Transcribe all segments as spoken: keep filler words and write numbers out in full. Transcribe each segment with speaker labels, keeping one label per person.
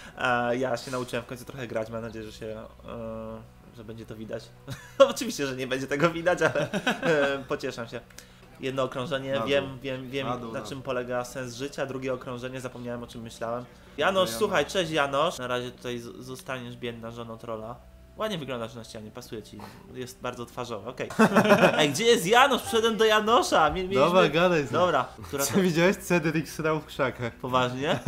Speaker 1: E, ja się nauczyłem w końcu trochę grać, mam nadzieję, że się, e, że będzie to widać. Oczywiście, że nie będzie tego widać, ale e, pocieszam się. Jedno okrążenie,
Speaker 2: Na dół.
Speaker 1: wiem, wiem, wiem
Speaker 2: Na dół,
Speaker 1: na
Speaker 2: na
Speaker 1: czym
Speaker 2: dół.
Speaker 1: polega sens życia, drugie okrążenie, zapomniałem o czym myślałem. Janosz,
Speaker 2: Janosz.
Speaker 1: słuchaj, cześć Janosz. Na razie tutaj z- zostaniesz biedna żoną trolla. Ładnie wyglądasz na ścianie, pasuje ci, jest bardzo twarzowy, okej. Ej, gdzie jest Janosz? Przyszedłem do Janosza. Mie- mieliśmy...
Speaker 2: Dobra, gadaj. z nim.
Speaker 1: Dobra, która to...
Speaker 2: Co widziałeś? Cedric srał w krzakach.
Speaker 1: Poważnie?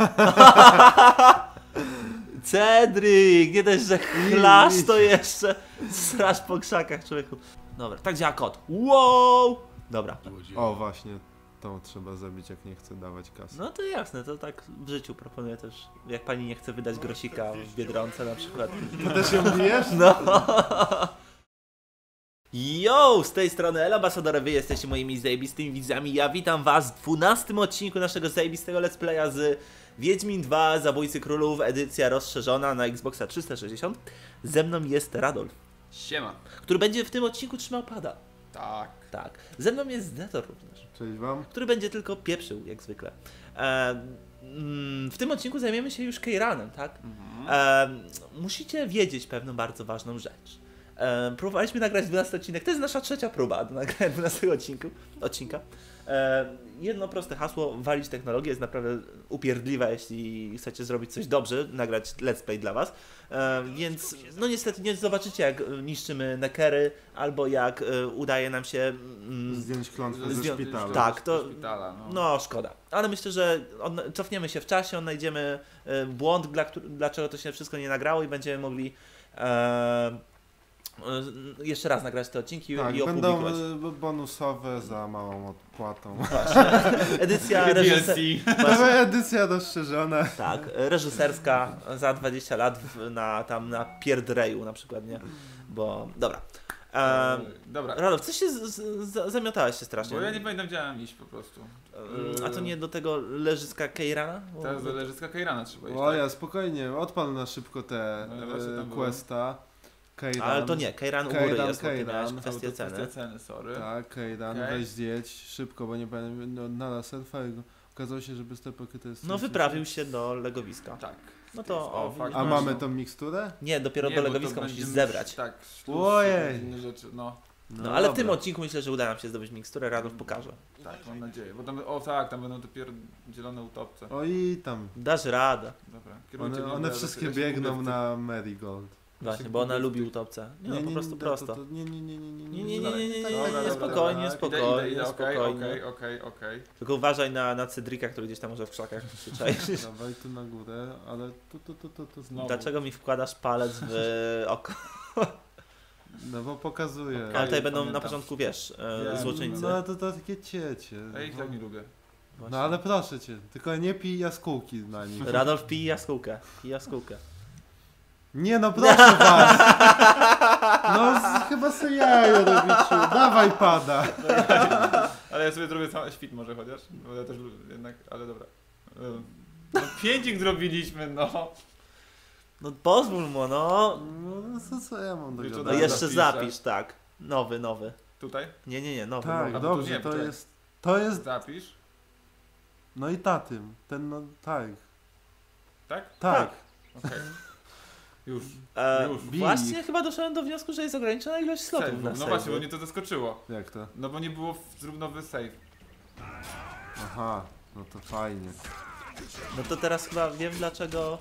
Speaker 1: Cedric, nie dość, że chlasz, to jeszcze srasz po krzakach, człowieku. Dobra, tak działa kot. Wow! Dobra.
Speaker 2: O, właśnie. Tą trzeba zabić, jak nie chce dawać kasy.
Speaker 1: No to jasne, to tak w życiu proponuję też, jak pani nie chce wydać grosika w Biedronce na przykład.
Speaker 2: Ty też ją bijesz?
Speaker 1: No. Yo, z tej strony El Ambasador, wy jesteście moimi zajebistymi widzami. Ja witam was w dwunastym odcinku naszego zajebistego let's playa z Wiedźmin dwa Zabójcy Królów, edycja rozszerzona na Xboxa trzysta sześćdziesiąt. Ze mną jest Radolf,
Speaker 3: Siema.
Speaker 1: który będzie w tym odcinku trzymał pada.
Speaker 3: Tak.
Speaker 1: Tak. Ze mną jest Zetor również,
Speaker 2: Cześć wam.
Speaker 1: który będzie tylko pieprzył, jak zwykle. E, mm, w tym odcinku zajmiemy się już Keiranem, tak?
Speaker 3: Mhm.
Speaker 1: E, musicie wiedzieć pewną bardzo ważną rzecz. E, próbowaliśmy nagrać dwunasty odcinek, to jest nasza trzecia próba do nagrania dwunastego odcinku, odcinka. E, jedno proste hasło, walić technologię, jest naprawdę upierdliwe, jeśli chcecie zrobić coś dobrze, nagrać let's play dla was. E, więc no niestety nie zobaczycie, jak niszczymy nekery, albo jak e, udaje nam się... Mm,
Speaker 2: Zdjąć klątwę ze
Speaker 1: Zdją-
Speaker 2: szpitala.
Speaker 1: tak. to-
Speaker 3: Do szpitala, no.
Speaker 1: no szkoda, ale myślę, że odna- cofniemy się w czasie, odnajdziemy e, błąd, dla, któr- dlaczego to się wszystko nie nagrało i będziemy mogli e, e, jeszcze raz nagrać te odcinki
Speaker 2: Tak,
Speaker 1: i
Speaker 2: będą
Speaker 1: opublikować.
Speaker 2: y, bonusowe za małą odpłatą.
Speaker 1: Edycja
Speaker 3: D L C.
Speaker 1: reżyserska,
Speaker 2: Nowa edycja rozszerzona.
Speaker 1: tak, reżyserska za dwadzieścia lat w, na tam na Pierdreju na przykład, nie? Bo, dobra. E,
Speaker 3: Dobra.
Speaker 1: Radolf, coś się z, z, z, zamiotałeś się strasznie.
Speaker 3: Bo ja nie pamiętam, gdzie mam iść po prostu.
Speaker 1: Mm, A to nie do tego leżyska Keirana? Bo-
Speaker 3: Teraz do leżyska Keirana trzeba iść.
Speaker 2: O
Speaker 3: tak?
Speaker 2: ja, spokojnie, odpal na szybko te
Speaker 3: No, właśnie
Speaker 2: e,
Speaker 3: tam było.
Speaker 2: questa. Kejdan.
Speaker 1: Ale to nie, Keiran u góry
Speaker 2: Keiran,
Speaker 1: jest, bo ty
Speaker 2: Keiran.
Speaker 1: miałeś
Speaker 2: To
Speaker 1: kwestię
Speaker 3: To
Speaker 1: ceny.
Speaker 3: kwestia ceny, sorry.
Speaker 2: Tak, Kejdan,
Speaker 3: Okej.
Speaker 2: weź zjedź szybko, bo nie pamiętam, no, na surfa i okazało się, że bez tej pakiety jest...
Speaker 1: No wyprawił się do legowiska.
Speaker 3: Tak.
Speaker 1: No to, o,
Speaker 3: O, fakt.
Speaker 2: A
Speaker 1: no,
Speaker 2: mamy
Speaker 1: no.
Speaker 2: tą miksturę?
Speaker 1: Nie, dopiero
Speaker 3: Nie,
Speaker 1: do
Speaker 3: bo to
Speaker 1: legowiska musisz
Speaker 3: będziemy-
Speaker 1: zebrać.
Speaker 3: Tak.
Speaker 2: Ojej.
Speaker 3: Inne rzeczy, no.
Speaker 1: No ale w tym
Speaker 2: dobra.
Speaker 1: odcinku myślę, że uda nam się zdobyć miksturę, Radolf pokaże.
Speaker 3: Tak, mam nadzieję. Bo tam, o tak, tam będą dopiero zielone utopce.
Speaker 2: O i tam.
Speaker 1: Dasz radę.
Speaker 3: Dobra. kierujcie
Speaker 2: One,
Speaker 3: mnie,
Speaker 2: one
Speaker 3: ja
Speaker 2: wszystkie
Speaker 3: ja się
Speaker 2: biegną
Speaker 3: gubię w
Speaker 2: na Marigold.
Speaker 1: Właśnie,
Speaker 3: się
Speaker 1: bo ona
Speaker 3: gubię w
Speaker 1: lubi
Speaker 3: tych-
Speaker 1: utopce. Nie, no po prostu
Speaker 2: to-
Speaker 1: prosto.
Speaker 2: To, to, nie, nie, nie, nie, nie,
Speaker 1: Nie, nie, nie, nie, nie, nie,
Speaker 2: Tak,
Speaker 1: nie,
Speaker 2: tak,
Speaker 1: spokojnie,
Speaker 2: tak,
Speaker 3: Idę,
Speaker 1: spokojnie,
Speaker 3: idę, idę, okej,
Speaker 1: spokojnie.
Speaker 3: okej, okej, okej.
Speaker 1: Tylko uważaj na, na Cedrika, który gdzieś tam może w krzakach się czai.
Speaker 2: Dawaj tu na górę, ale tu, tu, tu, tu, tu
Speaker 3: Znowu.
Speaker 1: Dlaczego mi wkładasz palec w oko?
Speaker 2: No bo pokazuje.
Speaker 1: Ale tutaj
Speaker 3: Okej,
Speaker 1: będą na
Speaker 3: pamiętam.
Speaker 1: początku, wiesz, e,
Speaker 3: Wiem.
Speaker 1: złoczyńcy.
Speaker 2: No to, to takie ciecie.
Speaker 3: Ja ich tak nie lubię.
Speaker 1: Właśnie.
Speaker 2: No ale proszę cię, tylko nie pij jaskółki na nich.
Speaker 1: Radolf pij jaskółkę, pij jaskółkę.
Speaker 2: Nie no, proszę was! No z, chyba sobie jajo robicie. Dawaj pada.
Speaker 3: Ale ja sobie zrobię cały świt może chociaż, bo ja też lubię jednak, ale dobra. Ym, No pięcik zrobiliśmy, no.
Speaker 1: No pozwól mu, no.
Speaker 2: No co, co ja mam do
Speaker 3: Wiesz, co,
Speaker 1: No
Speaker 2: gadania?
Speaker 1: jeszcze
Speaker 3: zapiszę.
Speaker 1: zapisz, tak. Nowy, nowy.
Speaker 3: Tutaj?
Speaker 1: Nie, nie, nie, nowy,
Speaker 2: Tak,
Speaker 1: nowy.
Speaker 3: to
Speaker 2: dobrze,
Speaker 3: nie,
Speaker 2: to
Speaker 3: czekaj.
Speaker 2: jest... To jest...
Speaker 3: Zapisz.
Speaker 2: No i tatym. Ten no, tak.
Speaker 3: Tak?
Speaker 2: Tak.
Speaker 3: Okej. Już.
Speaker 1: E,
Speaker 3: Już.
Speaker 1: właśnie chyba doszedłem do wniosku, że jest ograniczona ilość slotów
Speaker 3: Save.
Speaker 1: na
Speaker 3: No
Speaker 1: save.
Speaker 3: właśnie, bo mnie to zaskoczyło.
Speaker 2: Jak to?
Speaker 3: No bo nie było w- zrób nowy save.
Speaker 2: Aha, no to fajnie.
Speaker 1: No to teraz chyba wiem dlaczego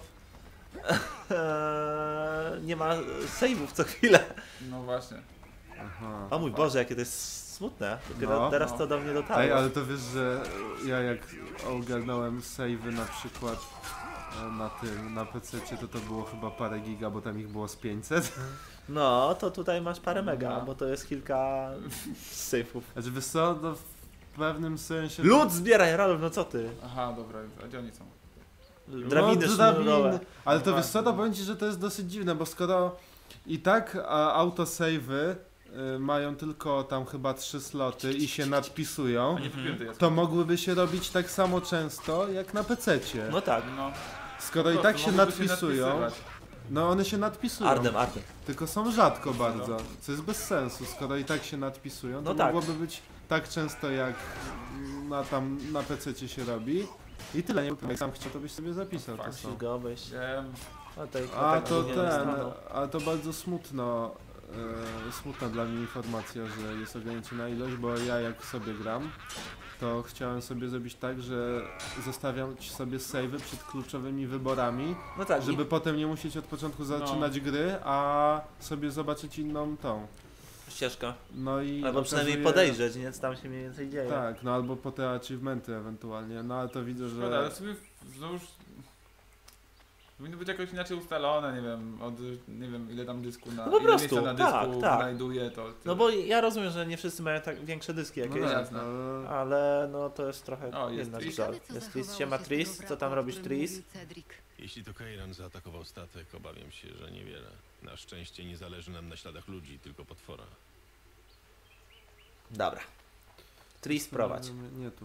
Speaker 1: nie ma save'ów co chwilę.
Speaker 3: No właśnie.
Speaker 2: Aha.
Speaker 1: O mój Boże, jakie to jest smutne. Dopiero
Speaker 2: No.
Speaker 1: teraz
Speaker 3: No.
Speaker 1: to do mnie dotarło.
Speaker 2: Ej, ale to wiesz, że ja jak ogarnąłem save'y na przykład e, na tym, na pececie, to to było chyba parę giga, bo tam ich było z pięćset.
Speaker 1: No, to tutaj masz parę mega,
Speaker 3: No.
Speaker 1: bo to jest kilka save'ów.
Speaker 2: Znaczy wiesz co, no w pewnym sensie...
Speaker 1: Lud zbieraj, Radolf, no co ty?
Speaker 3: Aha, dobra, a gdzie oni są?
Speaker 1: Drabiny
Speaker 2: no,
Speaker 1: sznurowe.
Speaker 2: drabiny. Ale to
Speaker 3: No
Speaker 2: wiesz co, to
Speaker 3: właśnie.
Speaker 2: powiem ci, że to jest dosyć dziwne, bo skoro i tak a, autosave'y y, mają tylko tam chyba trzy sloty i się nadpisują,
Speaker 3: A nie wypięty jest.
Speaker 2: to mogłyby się robić tak samo często jak na pececie.
Speaker 1: No tak.
Speaker 3: No.
Speaker 2: Skoro i
Speaker 3: Po
Speaker 2: tak
Speaker 3: prostu
Speaker 2: się
Speaker 3: mogłyby
Speaker 2: nadpisują,
Speaker 3: nadpisywać.
Speaker 2: no one się nadpisują,
Speaker 1: Ardem, Ardem.
Speaker 2: tylko są rzadko bardzo, co jest bez sensu. Skoro i tak się nadpisują, to
Speaker 1: No tak.
Speaker 2: mogłoby być tak często jak na tam na pececie się robi. I tyle, nie? Jak sam chciał, to byś sobie zapisał to
Speaker 3: Fakt.
Speaker 2: są.
Speaker 1: Ścigałbyś.
Speaker 3: Wiem.
Speaker 1: A, tej,
Speaker 2: A
Speaker 1: tak
Speaker 2: to
Speaker 1: nie
Speaker 2: ten,
Speaker 1: dostaną.
Speaker 2: a to bardzo smutno, e, smutna dla mnie informacja, że jest ograniczona ilość, bo ja jak sobie gram, to chciałem sobie zrobić tak, że zostawiam sobie save'y przed kluczowymi wyborami,
Speaker 1: No tak,
Speaker 2: żeby
Speaker 1: żeby...
Speaker 2: potem nie musieć od początku zaczynać gry, a sobie zobaczyć inną tą.
Speaker 1: ścieżka.
Speaker 2: No i
Speaker 1: Albo przynajmniej
Speaker 2: okazuje-
Speaker 1: podejrzeć, nie? Co tam się mniej więcej dzieje.
Speaker 2: Tak, no albo po te achievementy ewentualnie, no ale to widzę,
Speaker 3: Szkoda, ale
Speaker 2: że...
Speaker 3: sobie znowuż... Powinno być jakoś inaczej ustalone, nie wiem, od nie wiem ile tam dysku na,
Speaker 1: No po
Speaker 3: ile
Speaker 1: prostu,
Speaker 3: miejsca na
Speaker 1: tak,
Speaker 3: dysku
Speaker 1: tak.
Speaker 3: znajduje to.
Speaker 1: No bo ja rozumiem, że nie wszyscy mają tak większe dyski
Speaker 2: No
Speaker 1: jakieś,
Speaker 2: tak,
Speaker 3: jasne.
Speaker 2: ale...
Speaker 1: ale no to jest trochę
Speaker 3: O, jest
Speaker 1: inna
Speaker 3: Tris.
Speaker 1: rzecz.
Speaker 4: Ciekawe, co
Speaker 1: Jest Tris,
Speaker 4: zachowało
Speaker 1: siema
Speaker 4: się z
Speaker 1: Tris,
Speaker 4: tego
Speaker 1: co tam
Speaker 4: wratu, o
Speaker 1: robisz
Speaker 4: którym
Speaker 1: Tris?
Speaker 4: mówił Cedric.
Speaker 5: Jeśli to Kairan zaatakował statek, obawiam się, że niewiele. Na szczęście nie zależy nam na śladach ludzi, tylko potwora.
Speaker 1: Dobra. Tris prowadź.
Speaker 2: Nie, nie tu.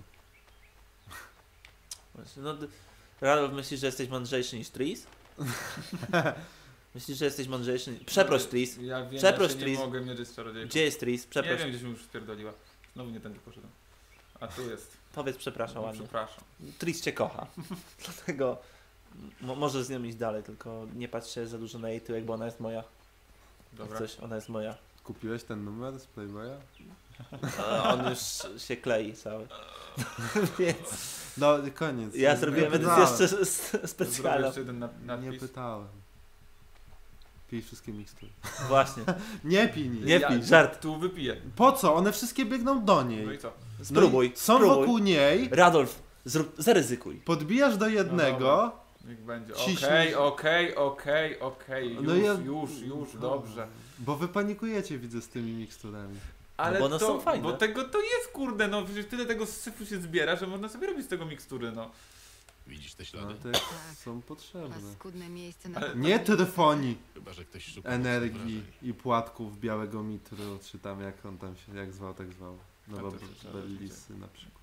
Speaker 1: No, d- Radolf, myślisz, że jesteś mądrzejszy niż Tris? Myślisz, że jesteś mądrzejszy niż... Przeproś Tris.
Speaker 3: Ja wiem,
Speaker 1: Przeproś,
Speaker 3: ja się
Speaker 1: Tris.
Speaker 3: nie mogę mierzyć z czarodziejką.
Speaker 1: Gdzie jest Tris?
Speaker 3: Nie
Speaker 1: Przeproś.
Speaker 3: wiem, gdzieś mi już spierdoliła. Znowu nie tędy poszedłem. A tu jest.
Speaker 1: Powiedz przepraszam
Speaker 3: No,
Speaker 1: ładnie.
Speaker 3: przepraszam.
Speaker 1: Tris cię kocha. Dlatego mo- możesz z nią iść dalej, tylko nie patrz się za dużo na jej tyłek, bo ona jest moja.
Speaker 3: Dobra.
Speaker 1: Coś, ona jest moja.
Speaker 2: Kupiłeś ten numer z Playboya?
Speaker 1: A on już się klei cały. Więc
Speaker 2: No, koniec.
Speaker 1: ja
Speaker 2: Nie
Speaker 1: zrobiłem
Speaker 2: pytałem.
Speaker 1: edycję jeszcze s-
Speaker 3: Zrobię
Speaker 1: specjalną.
Speaker 3: jeszcze jeden na-
Speaker 2: Nie
Speaker 3: nadpis.
Speaker 2: pytałem. Pij wszystkie mikstury.
Speaker 1: Właśnie.
Speaker 2: Nie pij nic.
Speaker 1: Nie pij, żart.
Speaker 3: Tu wypiję.
Speaker 2: Po co? One wszystkie biegną do
Speaker 3: No
Speaker 2: niej.
Speaker 3: i co?
Speaker 1: Spróbuj.
Speaker 2: No i są
Speaker 1: spróbuj.
Speaker 2: wokół niej,
Speaker 1: Radolf, zrób, zaryzykuj.
Speaker 2: podbijasz do jednego.
Speaker 3: Niech będzie.
Speaker 2: Ciśnij.
Speaker 3: Okej, okej, okej, okej.
Speaker 2: No
Speaker 3: Już,
Speaker 2: ja-
Speaker 3: już, już, dobrze.
Speaker 2: Bo wy panikujecie, widzę, z tymi miksturami.
Speaker 3: Ale
Speaker 1: bo one
Speaker 3: to,
Speaker 1: są fajne.
Speaker 3: Bo tego to jest, kurde, no przecież tyle tego syfu się zbiera, że można sobie robić z tego mikstury, no.
Speaker 5: Widzisz te
Speaker 2: No
Speaker 5: ślady?
Speaker 2: te
Speaker 4: Tak.
Speaker 2: są potrzebne.
Speaker 4: Paskudne miejsce na
Speaker 3: Ale-
Speaker 2: Nie trefoni
Speaker 5: Chyba, że ktoś szuka
Speaker 2: energii
Speaker 5: mocnych wrażeń.
Speaker 2: i płatków białego mitru, czy tam jak on tam się, jak zwał, tak zwał. No
Speaker 3: A
Speaker 2: bo
Speaker 3: to się trzeba
Speaker 2: Bellisy na przykład.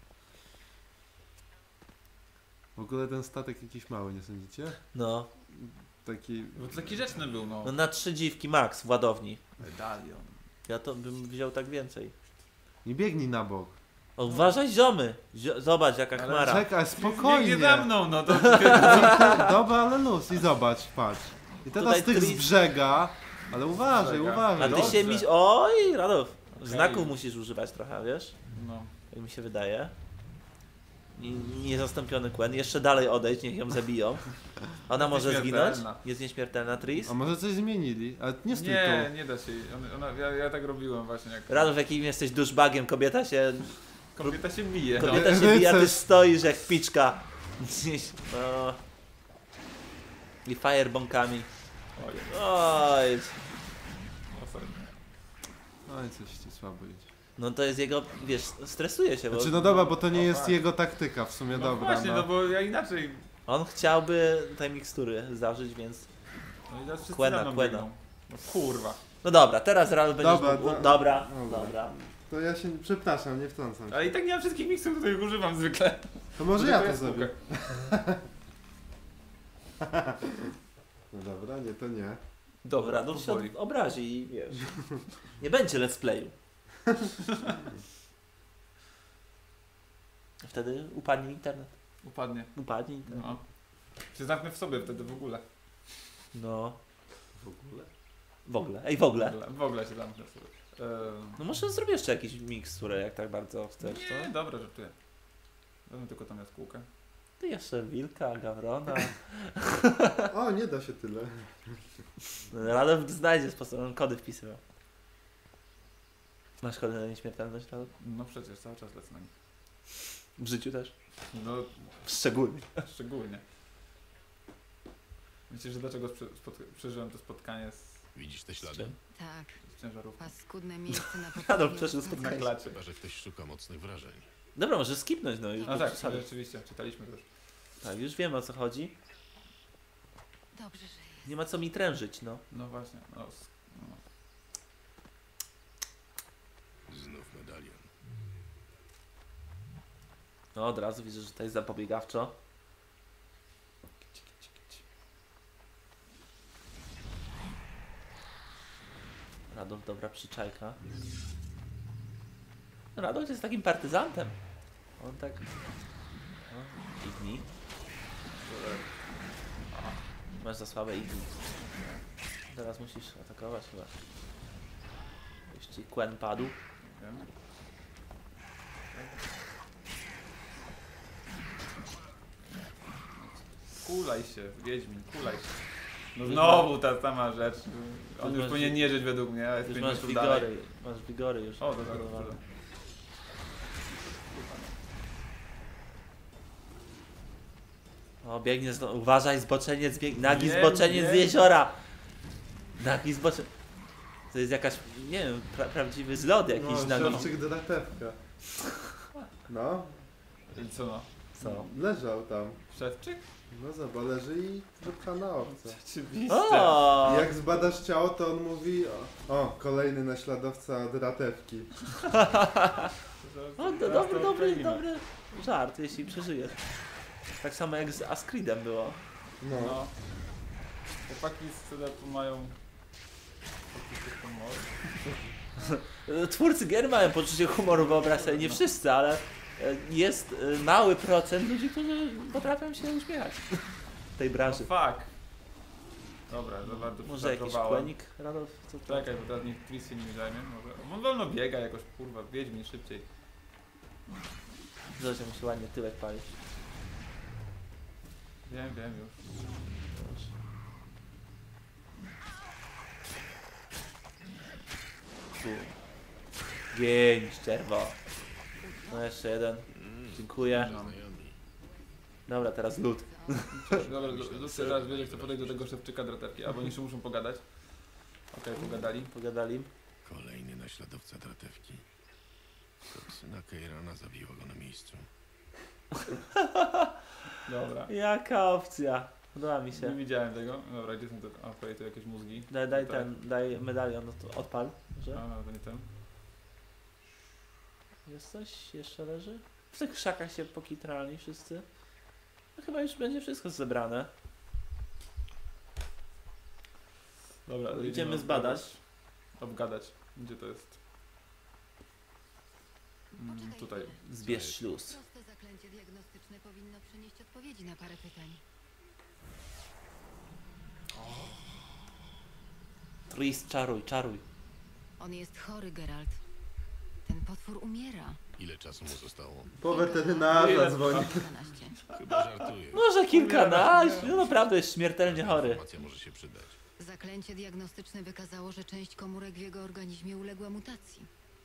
Speaker 2: W ogóle ten statek jakiś mały, nie sądzicie?
Speaker 1: No.
Speaker 2: Taki...
Speaker 3: Bo to taki rzeczny był, no.
Speaker 1: no na trzy dziwki max w ładowni.
Speaker 3: Medalion.
Speaker 1: Ja to bym wziął tak więcej.
Speaker 2: Nie biegnij na bok.
Speaker 1: O, uważaj ziomy. Zio zobacz jaka
Speaker 3: Ale
Speaker 1: chmara.
Speaker 2: Czekaj, spokojnie.
Speaker 3: Nie za mną, no to...
Speaker 2: Dobra, ale luz i zobacz, patrz. I teraz
Speaker 1: Tutaj
Speaker 2: tych z
Speaker 1: tris-
Speaker 2: brzega, ale uważaj,
Speaker 3: Brzega.
Speaker 2: uważaj.
Speaker 1: A ty
Speaker 3: Dobrze.
Speaker 1: się mi... Oj, Radolf.
Speaker 3: Okej.
Speaker 1: Znaków musisz używać trochę, wiesz?
Speaker 3: No.
Speaker 1: Jak mi się wydaje. I niezastąpiony Quen. Jeszcze dalej odejdź, niech ją zabiją. Ona może zginąć?
Speaker 3: Nieśmiertelna.
Speaker 1: Jest nieśmiertelna Tris?
Speaker 2: A może coś zmienili? Ale nie stój
Speaker 3: Nie,
Speaker 2: tu.
Speaker 3: nie da się. Ona, ona, ja, ja tak robiłem właśnie jak...
Speaker 1: Radolf, jakim jesteś duszbagiem, kobieta się...
Speaker 3: Kobieta się bije. No.
Speaker 1: Kobieta się bije, a ty
Speaker 2: Rycerz.
Speaker 1: stoisz jak piczka. Gdzieś, no. I firebombkami.
Speaker 3: Oj,
Speaker 1: Oj.
Speaker 3: ofennie.
Speaker 2: Oj, coś ci słabo idzie.
Speaker 1: No to jest jego, wiesz, stresuje się, bo
Speaker 2: Znaczy no dobra, bo to nie
Speaker 3: O,
Speaker 2: jest
Speaker 3: tak.
Speaker 2: jego taktyka, w sumie
Speaker 3: No
Speaker 2: dobra.
Speaker 3: właśnie, no bo ja inaczej...
Speaker 1: on chciałby tej mikstury zażyć, więc...
Speaker 3: No i teraz wszyscy
Speaker 1: Quena,
Speaker 3: za mną
Speaker 1: Quena.
Speaker 3: biegną. No kurwa.
Speaker 1: No dobra, teraz Radolf będziesz
Speaker 2: Dobra,
Speaker 1: mógł...
Speaker 2: to-
Speaker 1: Dobra,
Speaker 2: dobra.
Speaker 1: dobra.
Speaker 2: To ja się, przepraszam, nie wtrącam się.
Speaker 3: Ale i tak nie mam wszystkich miksów, których używam zwykle.
Speaker 2: To może
Speaker 3: Bo
Speaker 2: ja
Speaker 3: to
Speaker 2: to
Speaker 3: jest
Speaker 2: zrobię.
Speaker 3: spółka.
Speaker 2: No dobra, nie, to nie.
Speaker 1: Dobra, Radolf się
Speaker 3: powoli.
Speaker 1: od- obrazi i wiesz... Nie będzie let's playu. Wtedy upadnie internet.
Speaker 3: Upadnie.
Speaker 1: Upadnie internet.
Speaker 3: No. Się zamknę w sobie wtedy w ogóle.
Speaker 1: No.
Speaker 2: W ogóle?
Speaker 1: W ogóle. Ej, w ogóle.
Speaker 3: W ogóle, w ogóle się zamknę w sobie. Ehm,
Speaker 1: No może zrobię jeszcze jakiś miksturę, jak tak bardzo chcesz,
Speaker 3: nie,
Speaker 1: co?
Speaker 3: dobra, żartuję. Wezmę tylko tam jaskółkę.
Speaker 1: Ty jeszcze wilka, gawrona.
Speaker 2: O, nie da się tyle.
Speaker 1: Radolf znajdzie sposób, on kody wpisywał. Masz kody na nieśmiertelność, Radolf?
Speaker 3: No przecież cały czas lecę na nich.
Speaker 1: W życiu też?
Speaker 3: No
Speaker 1: Szczególnie.
Speaker 3: szczególnie. Myślisz, że dlaczego sprze- spot- przeżyłem to spotkanie z,
Speaker 5: Widzisz te
Speaker 1: Z
Speaker 5: ślady?
Speaker 1: czym?
Speaker 4: Tak,
Speaker 3: z ciężarówką?
Speaker 4: paskudne miejsce na
Speaker 1: Radolf
Speaker 4: poprzedniej
Speaker 1: przeżył
Speaker 4: osadzie.
Speaker 1: spotkanie.
Speaker 3: Na klacie.
Speaker 5: Chyba, że ktoś szuka mocnych wrażeń.
Speaker 1: Dobra, może skipnąć, no już.
Speaker 3: A
Speaker 1: bez
Speaker 3: tak,
Speaker 1: przesady.
Speaker 3: rzeczywiście, czytaliśmy to już.
Speaker 1: Tak, już wiem o co chodzi.
Speaker 4: Dobrze, że jest.
Speaker 1: Nie ma co mi trężyć, no.
Speaker 3: No właśnie, no, s- no.
Speaker 5: Znów medalion.
Speaker 1: No od razu widzę, że to jest zapobiegawczo. Radolf, dobra przyczajka. Radolf jest takim partyzantem. On tak... No, kiwnij. Masz za słabe i teraz musisz atakować chyba. Jeśli Quen padł.
Speaker 3: Wiem. Kulaj się, Wiedźmin, kulaj się. No znowu ta sama rzecz. On
Speaker 1: Już
Speaker 3: już
Speaker 1: masz-
Speaker 3: powinien nie żyć według mnie, ale jest
Speaker 1: Już
Speaker 3: pięć
Speaker 1: masz
Speaker 3: metrów dalej.
Speaker 1: wigory, masz wigory już.
Speaker 3: O, to tak,
Speaker 1: Dobra.
Speaker 3: to
Speaker 1: O, biegnie znowu. Uważaj, zboczeniec biegnie. Nagi
Speaker 3: Wiem,
Speaker 1: zboczeniec z
Speaker 3: wiem.
Speaker 1: jeziora. Nagi zboczeniec. To jest jakaś, nie wiem, pra prawdziwy zlot jakiś
Speaker 2: No,
Speaker 1: nagi.
Speaker 2: szewczyk dratewka. No,
Speaker 3: I co no?
Speaker 1: Co?
Speaker 2: leżał tam.
Speaker 3: Szewczyk?
Speaker 2: No zobacz, leży i wypchana owca.
Speaker 3: Oczywiście.
Speaker 1: O!
Speaker 2: I jak zbadasz ciało, to on mówi o, o kolejny naśladowca dratewki.
Speaker 1: O, do, dobry, dobry, dobry żart, jeśli przeżyjesz. Tak samo jak z Ascridem było.
Speaker 2: No.
Speaker 3: No. Chłopaki z Cylepu mają... poczucie humoru.
Speaker 1: Twórcy gier mają poczucie humoru, wyobraź sobie, nie wszyscy, ale e, jest e, mały procent ludzi, którzy potrafią się uśmiechać w tej
Speaker 3: No
Speaker 1: branży.
Speaker 3: fuck. Dobra, za bardzo
Speaker 1: Może jakiś
Speaker 3: przepracowałem.
Speaker 1: kłenik, Radolf? Co to?
Speaker 3: Czekaj, bo teraz niech Tris się nimi zajmie. Może... On wolno biega jakoś, kurwa, Wiedźmin szybciej.
Speaker 1: Zosia musi ładnie tyłek palić.
Speaker 3: Wiem, wiem już.
Speaker 1: Tu. Gień, czerwo. No jeszcze jeden. Dziękuję.
Speaker 5: Znajomi.
Speaker 1: Dobra, teraz lód.
Speaker 3: Dobra, Lucy teraz wie, że chce podejść do tego szewczyka dratewki, albo jeszcze muszą pogadać. Okej, pogadali.
Speaker 1: Pogadali.
Speaker 5: Kolejny naśladowca dratewki. Toksyna Keirana zabiła go na miejscu.
Speaker 3: Dobra.
Speaker 1: Jaka opcja? Podoba mi
Speaker 3: Nie
Speaker 1: się.
Speaker 3: widziałem tego. Dobra, gdzie są te... A, okej, tu jakieś mózgi.
Speaker 1: Daj, daj
Speaker 3: Tutaj.
Speaker 1: ten, daj medalion, no to odpal. Że?
Speaker 3: A, to nie ten.
Speaker 1: Jest coś? Jeszcze leży? W tych krzakach się pokitrali wszyscy. No chyba już będzie wszystko zebrane.
Speaker 3: Dobra,
Speaker 1: Idziemy
Speaker 3: jedziemy
Speaker 1: zbadać.
Speaker 3: Obgadać. Gdzie to jest? Mm,
Speaker 4: Poczekaj
Speaker 3: tutaj.
Speaker 4: chwilę.
Speaker 1: Zbierz śluz.
Speaker 4: Proste zaklęcie diagnostyczne powinno przynieść odpowiedzi na parę pytań.
Speaker 1: Tris, czaruj, czaruj.
Speaker 4: On jest chory, Geralt. Ten potwór umiera.
Speaker 5: Ile czasu mu zostało?
Speaker 2: Po weterynarza dzwoni.
Speaker 4: kilkanaście.
Speaker 5: Chyba żartujesz.
Speaker 1: Może kilkanaście, no naprawdę jest śmiertelnie chory.
Speaker 5: Informacja może się przydać.
Speaker 4: Zaklęcie diagnostyczne wykazało, że część komórek w jego organizmie uległa mutacji.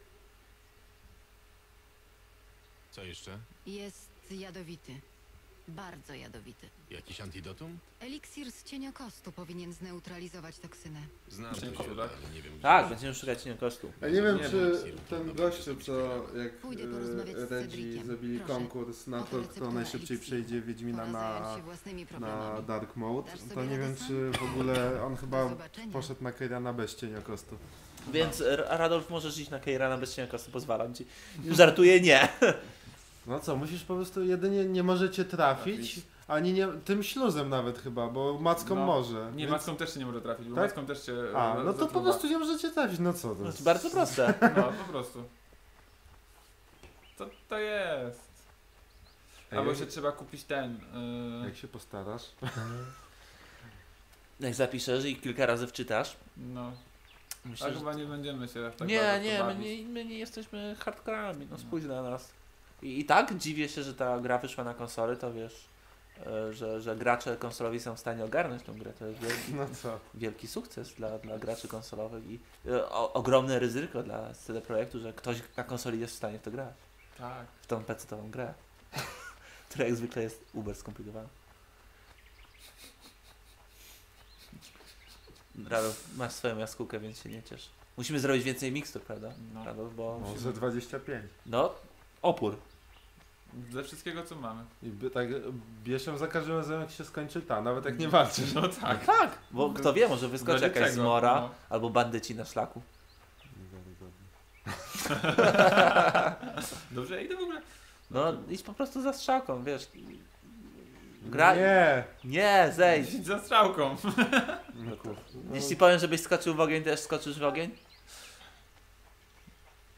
Speaker 5: Co jeszcze?
Speaker 4: Jest jadowity. Bardzo jadowity.
Speaker 5: Jakiś antidotum?
Speaker 4: Eliksir z cieniokostu powinien zneutralizować toksynę.
Speaker 5: Znam to
Speaker 3: Dziękuję,
Speaker 5: źródło,
Speaker 3: tak?
Speaker 5: ale nie wiem gdzie.
Speaker 1: Tak, będziemy szukać kosztu.
Speaker 2: Ja nie wiem,
Speaker 3: Nie
Speaker 2: czy
Speaker 5: wiem.
Speaker 2: ten gościu, co jak
Speaker 4: Pójdę porozmawiać z
Speaker 2: Redzi
Speaker 4: Cedriciem.
Speaker 2: zrobili
Speaker 4: Proszę.
Speaker 2: konkurs na
Speaker 4: Oto
Speaker 2: to,
Speaker 4: receptura
Speaker 2: kto najszybciej
Speaker 4: eliksiru.
Speaker 2: przejdzie Wiedźmina
Speaker 4: Pora
Speaker 2: na,
Speaker 4: zająć się własnymi
Speaker 2: na
Speaker 4: problemami.
Speaker 2: Dark Mode,
Speaker 4: Dasz
Speaker 2: to
Speaker 4: sobie
Speaker 2: nie wiem,
Speaker 4: radę sam?
Speaker 2: czy w ogóle on
Speaker 4: Do
Speaker 2: chyba
Speaker 4: zobaczenia.
Speaker 2: poszedł na Keirana bez cieniokostu.
Speaker 1: Więc R- Radolf możesz iść na Keirana bez cieniokostu, pozwalam ci. Żartuję, nie.
Speaker 2: No co, musisz po prostu jedynie nie możecie trafić,
Speaker 3: Trafić.
Speaker 2: ani nie, tym śluzem nawet chyba, bo macką
Speaker 3: No.
Speaker 2: może.
Speaker 3: Nie,
Speaker 2: więc-
Speaker 3: macką też się nie może trafić, bo
Speaker 2: Tak?
Speaker 3: macką też się...
Speaker 2: A,
Speaker 3: e,
Speaker 2: no to po
Speaker 3: zatruwa.
Speaker 2: prostu nie możecie trafić, no co to
Speaker 1: To
Speaker 2: jest?
Speaker 1: jest bardzo proste.
Speaker 3: No, po prostu. Co to jest?
Speaker 2: Ej,
Speaker 3: Albo
Speaker 2: jak-
Speaker 3: się trzeba kupić ten... Yy,
Speaker 2: Jak się postarasz?
Speaker 1: Jak zapiszesz i kilka razy wczytasz.
Speaker 3: no,
Speaker 1: Myślę,
Speaker 3: a
Speaker 1: że...
Speaker 3: chyba nie będziemy się aż tak
Speaker 1: Nie,
Speaker 3: bardzo w to
Speaker 1: nie, my
Speaker 3: bawić.
Speaker 1: nie, my nie jesteśmy hardcorami, no spójrz na nas. I, I tak dziwię się, że ta gra wyszła na konsole, to wiesz, e, że, że gracze konsolowi są w stanie ogarnąć tę grę. To jest wielki,
Speaker 2: No co?
Speaker 1: wielki sukces dla, dla graczy konsolowych i e, o, ogromne ryzyko dla C D Projektu, że ktoś na konsoli jest w stanie w to grać.
Speaker 3: Tak.
Speaker 1: W tą pecetową grę, która jak zwykle jest uber skomplikowana. Radolf, masz swoją jaskółkę, więc się nie ciesz. Musimy zrobić więcej mikstur, prawda?
Speaker 3: No.
Speaker 1: Radolf, bo...
Speaker 2: No, ze dwadzieścia pięć.
Speaker 1: No, opór.
Speaker 3: Ze wszystkiego co mamy.
Speaker 2: I by, tak bierz ją za każdym razem jak się skończy ta, nawet jak nie walczysz.
Speaker 3: No
Speaker 1: No
Speaker 3: tak.
Speaker 1: tak, bo kto wie, może wyskoczy
Speaker 3: Wedle
Speaker 1: jakaś
Speaker 3: czego?
Speaker 1: zmora
Speaker 3: No.
Speaker 1: albo bandyci na szlaku.
Speaker 3: Dobrze, idę w ogóle.
Speaker 1: No, idź po prostu za strzałką, wiesz. Graj.
Speaker 2: Nie!
Speaker 1: Nie, zejdź.
Speaker 3: Idź za strzałką.
Speaker 2: No, kur- no,
Speaker 1: Jeśli powiem, żebyś skoczył w ogień, też skoczysz w ogień?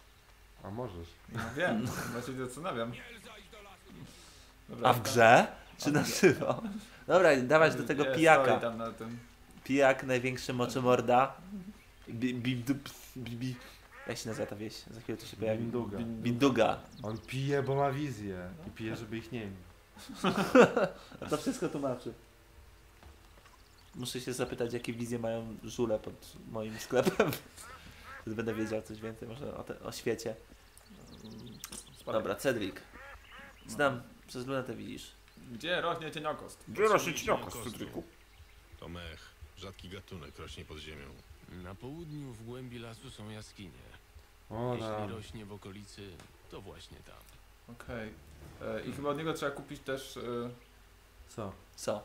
Speaker 2: A możesz.
Speaker 3: No wiem, właśnie się zastanawiam. Dobra,
Speaker 1: A w grze? Czy na żywo? Dobra, dawać do tego
Speaker 3: Nie,
Speaker 1: pijaka.
Speaker 3: stoi tam na tym.
Speaker 1: Pijak, największy moczomorda. Bi, bi, bi, bi, bi. Jak się nazywa ta wieś? Za chwilę to się pojawi.
Speaker 2: Binduga.
Speaker 1: Binduga.
Speaker 2: On pije, bo ma wizję. I pije, żeby ich nie mieć.
Speaker 1: To wszystko tłumaczy. Muszę się zapytać, jakie wizje mają żule pod moim sklepem. Wtedy będę wiedział coś więcej może o, te, o świecie.
Speaker 3: Spadaj.
Speaker 1: Dobra, Cedric. Znam, przez lunetę widzisz.
Speaker 3: Gdzie rośnie cieniokost?
Speaker 5: Cedriku? To mech. Rzadki gatunek rośnie pod ziemią.
Speaker 6: Na południu w głębi lasu są jaskinie.
Speaker 2: O,
Speaker 6: Jeśli
Speaker 2: tam.
Speaker 6: rośnie w okolicy, to właśnie tam.
Speaker 3: Okej. E, I chyba od niego trzeba kupić też e,
Speaker 2: Co?
Speaker 1: Co?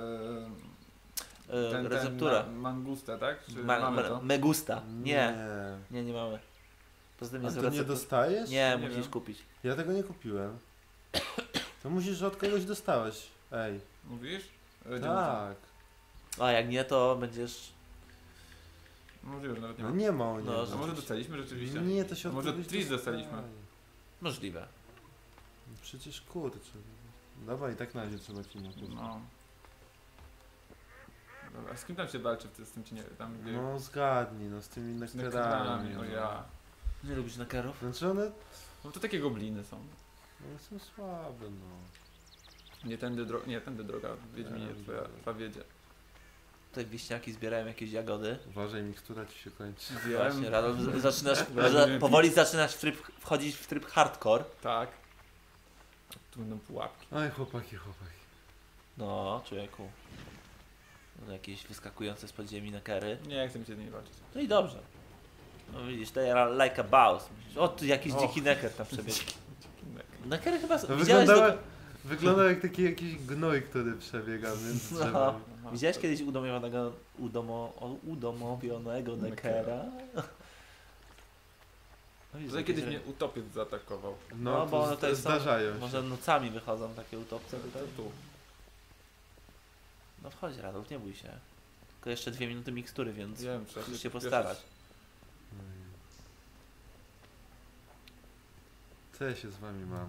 Speaker 3: e,
Speaker 1: E,
Speaker 3: ten,
Speaker 1: receptura.
Speaker 3: ten ma, mangustę, tak? Czy
Speaker 1: Ma,
Speaker 3: mamy
Speaker 1: ma,
Speaker 3: to?
Speaker 1: megusta. Nie,
Speaker 2: Nie.
Speaker 1: nie, nie mamy. Poza tym
Speaker 2: A
Speaker 1: jest
Speaker 2: to nie
Speaker 1: receptur-
Speaker 2: dostajesz?
Speaker 1: Nie,
Speaker 3: Nie
Speaker 1: musisz
Speaker 3: wiem.
Speaker 1: kupić.
Speaker 2: Ja tego nie kupiłem. To musisz, że od kogoś dostałeś. Ej.
Speaker 3: Mówisz? E,
Speaker 2: Tak.
Speaker 1: A jak nie, to będziesz...
Speaker 3: Możliwe, że nawet nie
Speaker 2: No
Speaker 3: ma.
Speaker 2: nie ma o
Speaker 1: No,
Speaker 2: niego.
Speaker 3: A może dostaliśmy rzeczywiście?
Speaker 2: Nie, to się od
Speaker 3: Może
Speaker 2: kogoś
Speaker 3: Tris
Speaker 2: dostaje.
Speaker 3: dostaliśmy.
Speaker 1: Możliwe.
Speaker 2: Przecież kurczę. Dobra, i tak na razie trzeba ci napisać.
Speaker 3: No. Dobra, a z kim tam się walczy w tym, z tym cienie, tam gdzie...
Speaker 2: No zgadnij, no z tymi
Speaker 3: z
Speaker 2: nektarami.
Speaker 3: nektarami, o
Speaker 2: no.
Speaker 3: ja.
Speaker 1: Nie lubisz nakarów?
Speaker 2: Znaczy one,
Speaker 3: No to takie gobliny są.
Speaker 2: one są słabe, no.
Speaker 3: Nie tędy, dro... nie, tędy droga, Wiedźminie,
Speaker 2: Nie,
Speaker 3: twoja,
Speaker 2: dobra.
Speaker 3: twoja wiedzie.
Speaker 1: Tutaj wieśniaki zbierają jakieś jagody.
Speaker 2: Uważaj, mikstura ci się kończy.
Speaker 1: Właśnie, Radol, z- zaczynasz,
Speaker 3: Będzie
Speaker 1: za,
Speaker 3: mi-
Speaker 1: powoli zaczynasz w tryb, wchodzić w tryb hardcore.
Speaker 3: Tak. Tu będą pułapki.
Speaker 2: Oj, chłopaki, chłopaki.
Speaker 1: No, człowieku. No, jakieś wyskakujące z podziemi nekery.
Speaker 3: Nie chcę mi się z nimi walczyć.
Speaker 1: No i dobrze. No widzisz, to ja like a boss. Myślisz, o, tu jakiś
Speaker 3: Och.
Speaker 1: dziki neker tam przebiegł.
Speaker 3: Nek.
Speaker 1: Nekery chyba...
Speaker 2: To
Speaker 1: Widziałeś,
Speaker 2: wyglądało,
Speaker 1: do...
Speaker 2: wyglądał jak taki jakiś gnój, który przebiega między
Speaker 1: No.
Speaker 2: drzewami.
Speaker 3: Aha.
Speaker 1: Widziałeś kiedyś udomowionego, udomo, o- udomowionego nekera? No, widzisz,
Speaker 3: Tutaj kiedyś
Speaker 1: jakieś-
Speaker 3: mnie utopiec zaatakował.
Speaker 2: No,
Speaker 1: No, bo
Speaker 2: to
Speaker 1: one tutaj są-
Speaker 2: zdarzają się.
Speaker 1: Może nocami wychodzą takie utopce tutaj?
Speaker 3: Tu.
Speaker 1: No wchodź Radolf, nie bój się. Tylko jeszcze dwie minuty mikstury, więc
Speaker 3: Wiem, trzeba
Speaker 1: musisz
Speaker 3: się
Speaker 1: się postarać.
Speaker 2: Oj. Co ja się z wami mam?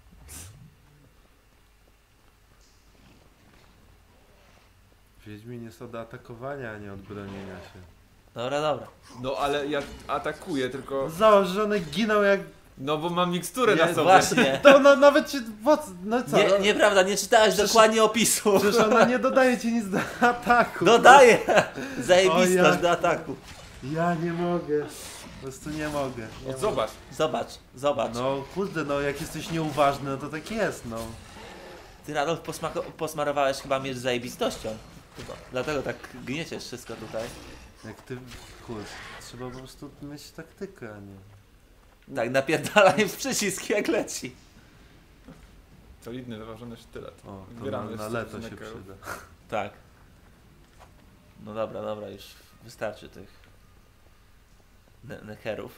Speaker 2: Wiedźmin jest od atakowania, a nie od bronienia się.
Speaker 1: Dobra, dobra.
Speaker 3: No ale ja atakuję, tylko...
Speaker 2: Zobacz, że one giną jak...
Speaker 3: No bo mam miksturę
Speaker 2: Nie,
Speaker 3: na sobie.
Speaker 1: Właśnie.
Speaker 2: To ona nawet się... Po co- No co?
Speaker 1: Nie,
Speaker 2: no,
Speaker 1: nieprawda, nie czytałeś
Speaker 2: Przecież-
Speaker 1: dokładnie opisu.
Speaker 2: Przecież ona nie dodaje ci nic do ataku.
Speaker 1: Dodaję!
Speaker 2: O
Speaker 1: Zajebistość
Speaker 2: ja-
Speaker 1: do ataku.
Speaker 2: Ja nie mogę. Po prostu nie mogę. Nie
Speaker 3: No
Speaker 2: mogę.
Speaker 3: zobacz.
Speaker 1: Zobacz, zobacz.
Speaker 2: No kurde, no jak jesteś nieuważny, no to tak jest, no.
Speaker 1: Ty Radolf posmako- posmarowałeś chyba miecz zajebistością. Dlatego tak gnieciesz wszystko tutaj.
Speaker 2: Jak ty... Kurde, trzeba po prostu mieć taktykę, a nie...
Speaker 1: Tak, napierdalaj w przycisk jak leci.
Speaker 3: Solidny, wyważony sztylet.
Speaker 2: O, to na,
Speaker 3: Zbieramy
Speaker 2: na
Speaker 3: z-
Speaker 2: leto
Speaker 3: z
Speaker 2: się
Speaker 3: nekerów.
Speaker 2: przyda.
Speaker 1: Tak. No dobra, dobra, już wystarczy tych ne nekerów.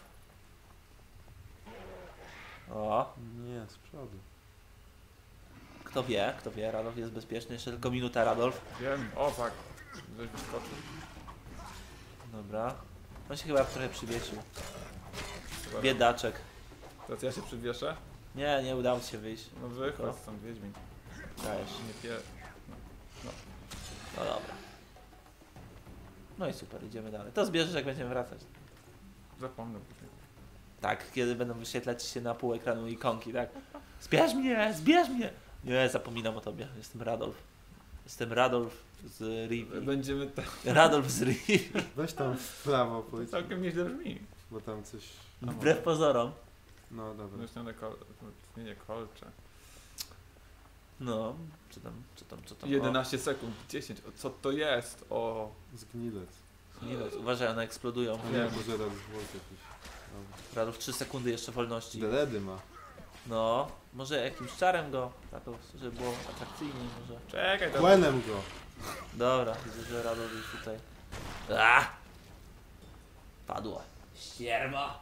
Speaker 1: O,
Speaker 2: Nie, z przodu.
Speaker 1: kto wie, kto wie, Radolf jest bezpieczny, jeszcze tylko minuta Radolf.
Speaker 3: Wiem, o fuck. Ktoś wyskoczył.
Speaker 1: Dobra. On się chyba trochę przywiesił.
Speaker 3: Chyba-
Speaker 1: Biedaczek.
Speaker 3: Teraz ja się przywieszę.
Speaker 1: Nie, nie udało ci się wyjść.
Speaker 3: No wychodź stąd, Wiedźmin.
Speaker 1: Dajesz.
Speaker 3: Nie pie...
Speaker 1: No dobra. No i super, idziemy dalej. To zbierzesz jak będziemy wracać.
Speaker 3: Zapomnę później.
Speaker 1: Tak, kiedy będą wyświetlać się na pół ekranu ikonki, tak? Zbierz mnie, zbierz mnie! Nie, zapominam o tobie. Jestem Radolf. Jestem Radolf z Rivi.
Speaker 3: Będziemy tam...
Speaker 1: Radolf z Rivi.
Speaker 2: Weź tam w prawo pójdź,
Speaker 3: Całkiem nieźle brzmi.
Speaker 2: bo tam coś...
Speaker 1: Wbrew pozorom.
Speaker 2: No dobra.
Speaker 3: Zresztą na kol... Nie, nie, kolcze.
Speaker 1: No, co tam, co tam, co tam?
Speaker 3: jedenaście sekund, dziesięć. O, co to jest? O...
Speaker 2: Zgnilec.
Speaker 1: O, nie wiem, uważaj, one eksplodują.
Speaker 2: A nie, może raz zwłok jakiś.
Speaker 1: Radolf trzy sekundy jeszcze wolności.
Speaker 2: Deledy ma.
Speaker 1: No, może jakimś czarem go, Radolf, żeby było atrakcyjniej może.
Speaker 3: Czekaj, to...
Speaker 2: Kłenem go.
Speaker 1: Dobra, widzę, że Radolf już tutaj. A! Padło. Ścierwo!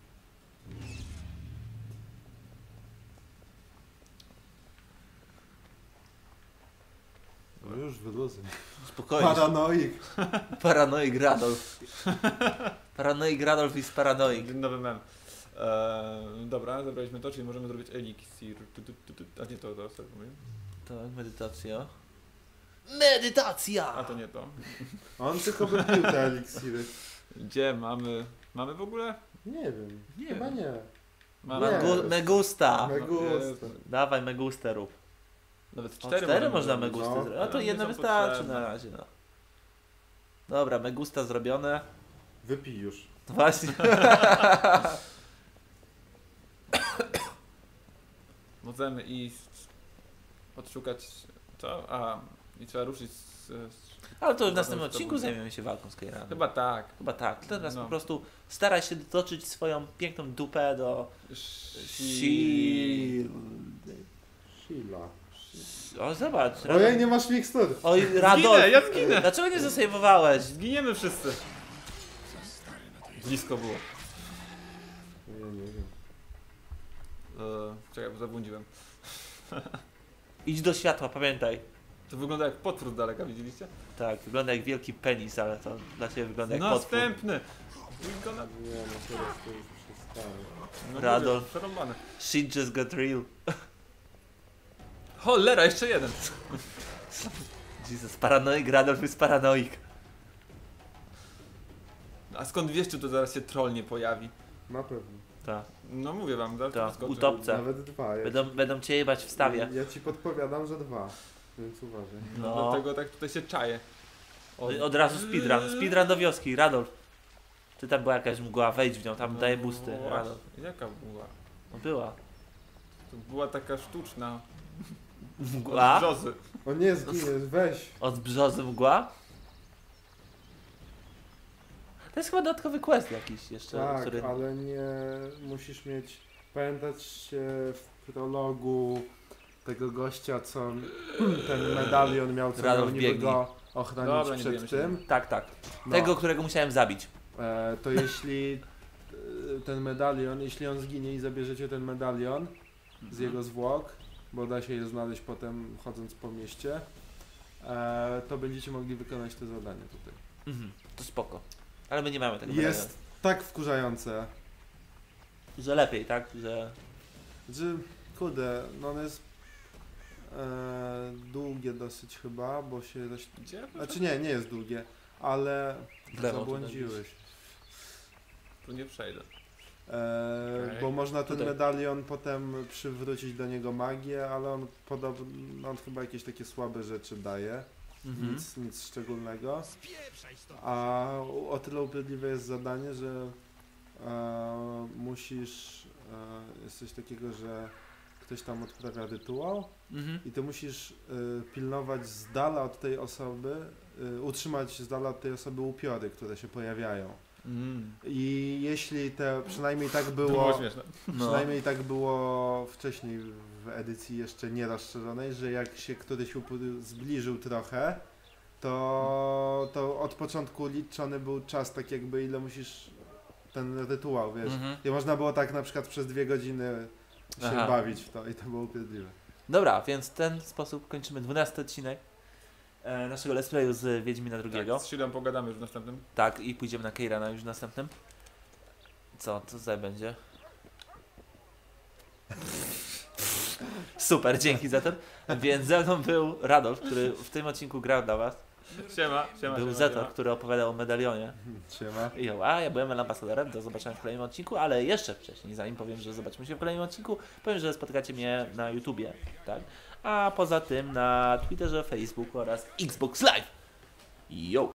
Speaker 2: No już wyluzuj.
Speaker 1: Spokojnie.
Speaker 2: Paranoik.
Speaker 1: Paranoik Radolf. Paranoik Radolf jest paranoik.
Speaker 3: Nowy mem. Eee, dobra, zabraliśmy to, czyli możemy zrobić eliksir. Tu, tu, tu, tu. A nie to, to sobie powiem.
Speaker 1: Tak, medytacja. Medytacja!
Speaker 3: A to nie to.
Speaker 2: On tylko wypił te eliksiry.
Speaker 3: Gdzie mamy... Mamy w ogóle?
Speaker 2: Nie wiem,
Speaker 1: Nie
Speaker 2: chyba
Speaker 1: wiem.
Speaker 2: nie.
Speaker 3: Mamy.
Speaker 2: Nie.
Speaker 1: Megu- Megusta!
Speaker 2: Megusta.
Speaker 1: Dawaj Megustę rób.
Speaker 3: Nawet
Speaker 1: O,
Speaker 3: cztery,
Speaker 1: cztery można
Speaker 3: zrobić.
Speaker 1: Megusty
Speaker 2: No.
Speaker 1: zrobić. No to
Speaker 3: Nie
Speaker 1: jedno
Speaker 3: są
Speaker 1: wystarczy
Speaker 3: potrzebne.
Speaker 1: na razie, no. Dobra, Megusta zrobione.
Speaker 2: Wypij już.
Speaker 1: Właśnie.
Speaker 3: Możemy iść... Odszukać... Co? A, i trzeba ruszyć z... z
Speaker 1: Ale to w
Speaker 3: Chyba
Speaker 1: następnym
Speaker 3: to
Speaker 1: odcinku
Speaker 3: będzie.
Speaker 1: zajmiemy się walką z Keiranem.
Speaker 3: chyba tak.
Speaker 1: Chyba tak. Teraz
Speaker 3: No.
Speaker 1: po prostu staraj się dotoczyć swoją piękną dupę do...
Speaker 3: Si...
Speaker 2: Sheila.
Speaker 1: O, zobacz.
Speaker 2: Ojej, nie masz mikstur.
Speaker 1: Oj,
Speaker 3: Zginę,
Speaker 1: Radolf.
Speaker 3: ja zginę!
Speaker 1: Dlaczego nie zasejmowałeś?
Speaker 3: Zginiemy wszyscy. Blisko było.
Speaker 2: Ja nie wiem.
Speaker 3: Eee, czekaj, bo zabłądziłem.
Speaker 1: Idź do światła, pamiętaj.
Speaker 3: To wygląda jak potwór z daleka, widzieliście?
Speaker 1: Tak, wygląda jak wielki penis, ale to dla ciebie wygląda jak potwór.
Speaker 3: Następny! Wygląda...
Speaker 2: Nie, no teraz to już przestało.
Speaker 3: No
Speaker 1: Radolf.
Speaker 3: mówię, przerąbane.
Speaker 1: Shit just got real.
Speaker 3: Cholera, jeszcze jeden!
Speaker 1: Jesus, paranoik, Radolf jest paranoik.
Speaker 3: A skąd wiesz, czy to zaraz się troll nie pojawi?
Speaker 2: Na pewno.
Speaker 1: Tak,
Speaker 3: No mówię wam, zaraz
Speaker 1: tak,
Speaker 3: to wyskoczy.
Speaker 1: utopce.
Speaker 2: Nawet dwa. Ja
Speaker 1: Będą, będą cię jebać w stawie.
Speaker 2: Ja ci podpowiadam, że dwa. Więc uważaj.
Speaker 3: No,
Speaker 1: No.
Speaker 3: dlatego tak tutaj się czaję. O,
Speaker 1: Od razu speedrun, speedrun do wioski, Radolf. Ty tam była jakaś mgła, wejdź w nią, tam
Speaker 3: no
Speaker 1: daje boosty,
Speaker 3: właśnie.
Speaker 1: Radolf.
Speaker 3: Jaka była?
Speaker 1: No była.
Speaker 3: To była taka sztuczna.
Speaker 1: Mgła?
Speaker 3: Od brzozy.
Speaker 2: O nie, zginiesz, weź.
Speaker 1: Od brzozy mgła? To jest chyba dodatkowy quest jakiś jeszcze,
Speaker 2: Tak,
Speaker 1: który...
Speaker 2: ale nie musisz mieć. Pamiętać się w prologu tego gościa, co ten medalion miał, co
Speaker 1: Radolf
Speaker 2: miał niby
Speaker 1: biegnij.
Speaker 2: go ochronić
Speaker 3: Dobra, nie bijemy
Speaker 2: przed
Speaker 3: się.
Speaker 2: tym.
Speaker 1: Tak, tak.
Speaker 2: No,
Speaker 1: Tego, którego musiałem zabić.
Speaker 2: e, to jeśli e, ten medalion, jeśli on zginie i zabierzecie ten medalion z jego zwłok, bo da się je znaleźć potem chodząc po mieście, e, to będziecie mogli wykonać te zadanie tutaj.
Speaker 1: Mhm, to spoko. Ale my nie mamy tego
Speaker 2: Jest tak wkurzające.
Speaker 1: medalionu. Że lepiej, tak? Że...
Speaker 2: Że, kurde, no one jest e, długie dosyć chyba, bo się... Dość,
Speaker 3: Gdzie?
Speaker 2: znaczy nie, nie jest długie, ale
Speaker 1: W lewo tu
Speaker 2: zabłądziłeś.
Speaker 3: Tu nie przejdę.
Speaker 2: E,
Speaker 3: Okej.
Speaker 2: Bo można ten
Speaker 1: Tutaj.
Speaker 2: medalion potem przywrócić do niego magię, ale on podobno, on chyba jakieś takie słabe rzeczy daje,
Speaker 1: Mhm.
Speaker 2: nic, nic szczególnego. A o tyle upierdliwe jest zadanie, że e, musisz, e, jest coś takiego, że ktoś tam odprawia rytuał
Speaker 1: Mhm.
Speaker 2: i ty musisz y, pilnować z dala od tej osoby, y, utrzymać z dala od tej osoby upiory, które się pojawiają.
Speaker 3: Mm.
Speaker 2: I jeśli te, przynajmniej tak
Speaker 3: To było
Speaker 2: było,
Speaker 3: śmieszne.
Speaker 1: No.
Speaker 2: przynajmniej tak było wcześniej w edycji jeszcze nie rozszerzonej, że jak się któryś upór zbliżył trochę, to, to od początku liczony był czas, tak jakby ile musisz ten rytuał, wiesz.
Speaker 1: Mhm.
Speaker 2: I można było tak na przykład przez dwie godziny się
Speaker 1: Aha.
Speaker 2: bawić w to i to było upierdliwe.
Speaker 1: Dobra, więc w ten sposób kończymy dwunasty odcinek e, naszego let's playu z Wiedźmina drugiego.
Speaker 3: Tak, z Shieldem pogadamy już w następnym.
Speaker 1: Tak, i pójdziemy na Keirana już w następnym. Co, co tutaj będzie? Super, dzięki za to. Więc ze mną był Radolf, który w tym odcinku grał dla was.
Speaker 3: Siema, siema,
Speaker 1: Był
Speaker 3: siema,
Speaker 1: Zetor,
Speaker 3: siema.
Speaker 1: który opowiadał o medalionie.
Speaker 2: Siema.
Speaker 1: I jo, a ja byłem ambasadorem, do zobaczenia w kolejnym odcinku, ale jeszcze wcześniej, zanim powiem, że zobaczymy się w kolejnym odcinku, powiem, że spotkacie mnie na YouTubie, tak? A poza tym na Twitterze, Facebooku oraz Xbox Live. Yo!